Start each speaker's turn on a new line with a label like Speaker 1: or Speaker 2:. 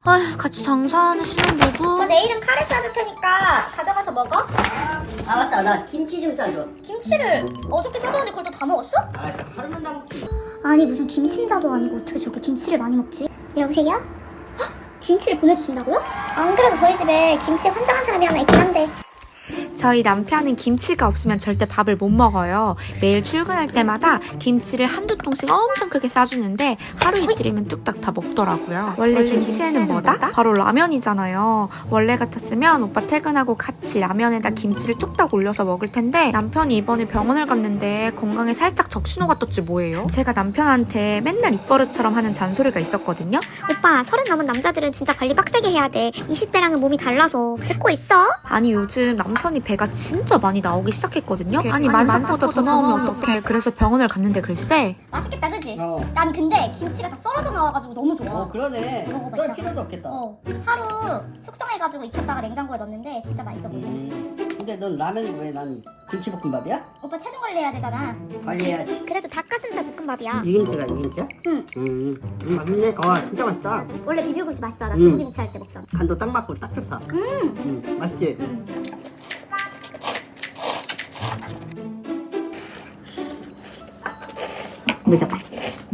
Speaker 1: 아휴, 같이 장사하는 신혼부부.
Speaker 2: 내일은 카레 싸줄 테니까 가져가서 먹어.
Speaker 3: 아 맞다, 나 김치 좀 싸줘.
Speaker 2: 김치를 어저께 사줬는데 그걸 또 다 먹었어?
Speaker 3: 아 하루만 다 먹지.
Speaker 2: 아니 무슨 김친자도 아니고 어떻게 저렇게 김치를 많이 먹지? 여보세요? 헉, 김치를 보내주신다고요? 안 그래도 저희 집에 김치 환장한 사람이 하나 있긴 한데.
Speaker 1: 저희 남편은 김치가 없으면 절대 밥을 못 먹어요. 매일 출근할 때마다 김치를 한두 통씩 엄청 크게 싸주는데 하루 이틀이면 뚝딱 다 먹더라고요. 원래 김치에는 뭐다? 바로 라면이잖아요. 원래 같았으면 오빠 퇴근하고 같이 라면에다 김치를 뚝딱 올려서 먹을 텐데 남편이 이번에 병원을 갔는데 건강에 살짝 적신호가 떴지 뭐예요? 제가 남편한테 맨날 입버릇처럼 하는 잔소리가 있었거든요.
Speaker 2: 오빠 30 넘은 남자들은 진짜 관리 빡세게 해야 돼. 20대랑은 몸이 달라서. 듣고 있어?
Speaker 1: 아니 요즘 남편이 배가 진짜 많이 나오기 시작했거든요. 아니 만삭보다 더 나오면 어떡해. 그래서 병원을 갔는데 글쎄.
Speaker 2: 맛있겠다 그지?
Speaker 3: 어.
Speaker 2: 아니 근데 김치가 다 썰어져 나와가지고 너무 좋아.
Speaker 3: 어 그러네.
Speaker 2: 먹어봐,
Speaker 3: 썰
Speaker 2: 이따.
Speaker 3: 필요도 없겠다.
Speaker 2: 하루 숙성해가지고 익혔다가 냉장고에 넣었는데 진짜 맛있어 보여.
Speaker 3: 근데 넌 라면이 왜 난 김치볶음밥이야?
Speaker 2: 오빠 체중 관리해야 되잖아.
Speaker 3: 관리해야지.
Speaker 2: 그래도 닭가슴살 볶음밥이야.
Speaker 3: 이 김치가 이 김치야?
Speaker 2: 응.
Speaker 3: 맛있네. 진짜 맛있다.
Speaker 2: 원래 비빔국수 맛있어. 나
Speaker 3: 음.
Speaker 2: 두부김치 할 때 먹잖아.
Speaker 3: 간도 딱 맞고 딱 좋다. 맛있지? 미쳤다.